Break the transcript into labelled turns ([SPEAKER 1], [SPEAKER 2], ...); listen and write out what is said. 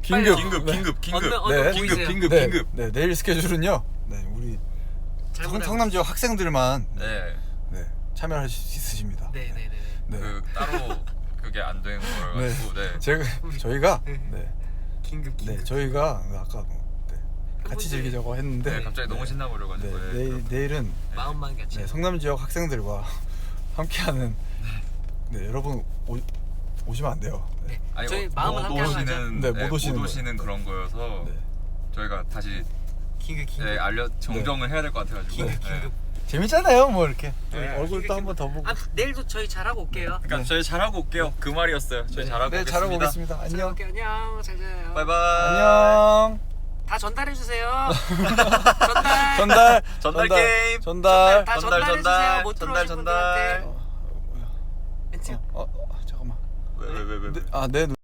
[SPEAKER 1] 긴급
[SPEAKER 2] 네.
[SPEAKER 1] 긴급. 네, 내일 스케줄은요. 네, 우리 성남 지역 학생들만
[SPEAKER 2] 네.
[SPEAKER 1] 네, 참여할 수 있으십니다.
[SPEAKER 3] 네네네.
[SPEAKER 1] 네.
[SPEAKER 2] 그 따로 그게 안 된 거여가지고 네.
[SPEAKER 1] 저희가
[SPEAKER 3] 네.
[SPEAKER 1] 네.
[SPEAKER 3] 긴급.
[SPEAKER 1] 네, 저희가 아까 네, 같이 즐기자고 했는데
[SPEAKER 2] 네, 갑자기 너무 신나버려가지고
[SPEAKER 1] 네, 내일은
[SPEAKER 3] 마음만 같이.
[SPEAKER 1] 네, 성남 지역 학생들과 함께하는 네, 여러분 오시면 안 돼요. 네.
[SPEAKER 2] 아니
[SPEAKER 3] 저희 마음은 함께 하는 거죠?
[SPEAKER 1] 네, 못 오시는
[SPEAKER 2] 그런 거여서
[SPEAKER 1] 네.
[SPEAKER 2] 저희가 다시
[SPEAKER 3] 긴급.
[SPEAKER 2] 네, 정정을 해야 될 것 같아가지고
[SPEAKER 3] 긴급.
[SPEAKER 1] 재밌잖아요, 뭐 이렇게
[SPEAKER 2] 네.
[SPEAKER 1] 얼굴도 한번 더 보고.
[SPEAKER 3] 아, 내일도 저희 잘하고 올게요.
[SPEAKER 2] 그러니까
[SPEAKER 1] 네.
[SPEAKER 2] 저희 잘하고 올게요. 그 말이었어요. 저희 잘하고
[SPEAKER 1] 네,
[SPEAKER 2] 오겠습니다.
[SPEAKER 1] 잘하고 오겠습니다. 안녕.
[SPEAKER 3] 오케이, 안녕. 잘 자요.
[SPEAKER 2] 바이바이.
[SPEAKER 1] 안녕.
[SPEAKER 3] 다 전달해 주세요.
[SPEAKER 2] 전달 게임.
[SPEAKER 1] 전달.
[SPEAKER 3] 다
[SPEAKER 2] 전달,
[SPEAKER 3] 전달해
[SPEAKER 2] 전달.
[SPEAKER 3] 주세요. 못
[SPEAKER 2] 전달,
[SPEAKER 3] 들어오신
[SPEAKER 2] 전달.
[SPEAKER 3] 분들한테.
[SPEAKER 1] 뭐야?
[SPEAKER 3] 멘트.
[SPEAKER 2] 왜?
[SPEAKER 1] 잠깐만. 내 눈.